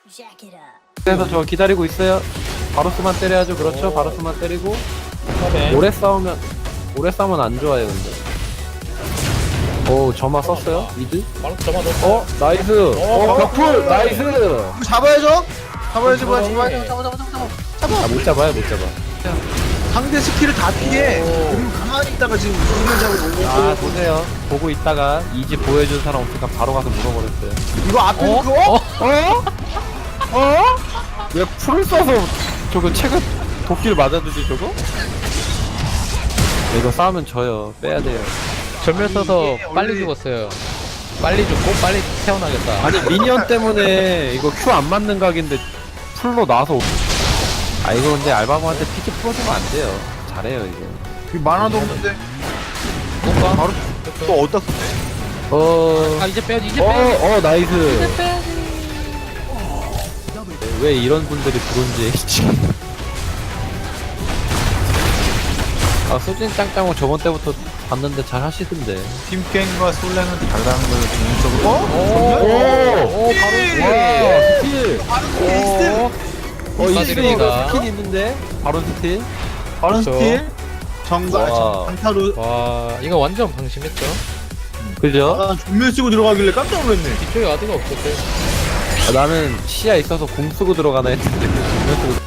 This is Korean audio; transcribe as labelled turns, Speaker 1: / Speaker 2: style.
Speaker 1: 그래서 저 기다리고 있어요. 바로스만 때려야죠. 그렇죠. 바로스만 때리고 오래 싸우면 안 좋아요. 근데 오 점화 썼어요. 미드.
Speaker 2: 바로 점화 넣었어.
Speaker 1: 나이스. 벽풀 나이스.
Speaker 3: 이거 잡아야죠. 잡아야지 뭐야
Speaker 2: 잡아.
Speaker 1: 아 못 잡아요. 못 잡아.
Speaker 3: 상대 스킬을 다 피해. 그리고 가만히 있다가 지금 이기는 잡고 오고.
Speaker 1: 아 보세요. 보고 있다가 이지 보여준 사람 없으니까 바로 가서 물어버렸어요.
Speaker 3: 이거 앞에 그거?
Speaker 1: 왜 풀을 써서 저거 체급 도끼를 맞아주지 저거? 이거 싸우면 져요. 빼야 돼요.
Speaker 2: 전멸 써서
Speaker 3: 이게
Speaker 2: 빨리
Speaker 3: 원래-
Speaker 2: 죽었어요. 빨리 죽고 빨리 태어나겠다.
Speaker 1: 아니 미니언 때문에 이거 큐 안 맞는 각인데 풀로 나와서 아 이거 근데 알바모한테 피지 풀어주면 안 돼요. 잘해요 이거.
Speaker 3: 이거 만화도 없는데.
Speaker 2: 뭔가?
Speaker 3: 바로 또 어디다 썼대?
Speaker 2: 아 이제 빼야지 이제 빼야지.
Speaker 1: 나이스. 왜 이런 분들이 브론즈에 아 소진 짱짱은 저번 때부터 봤는데 잘 하시던데.
Speaker 3: 팀갱과 솔랭은 다르다는 걸 개인적으로.
Speaker 2: 오, 바로
Speaker 1: 스틸.
Speaker 2: 축하드립니다.
Speaker 1: 스킬 있는데 바로 스틸.
Speaker 3: 바른
Speaker 2: 그쵸.
Speaker 3: 스틸. 정가
Speaker 1: 와.
Speaker 3: 강타로.
Speaker 2: 와 이거 완전 방심했죠.
Speaker 1: 그죠?
Speaker 3: 아, 전멸 쓰고 들어가길래 깜짝 놀랐네.
Speaker 2: 뒤쪽에 와드가 없었어요.
Speaker 1: 나는 시야 있어서 공 쓰고 들어가나 했는데 공면 쓰고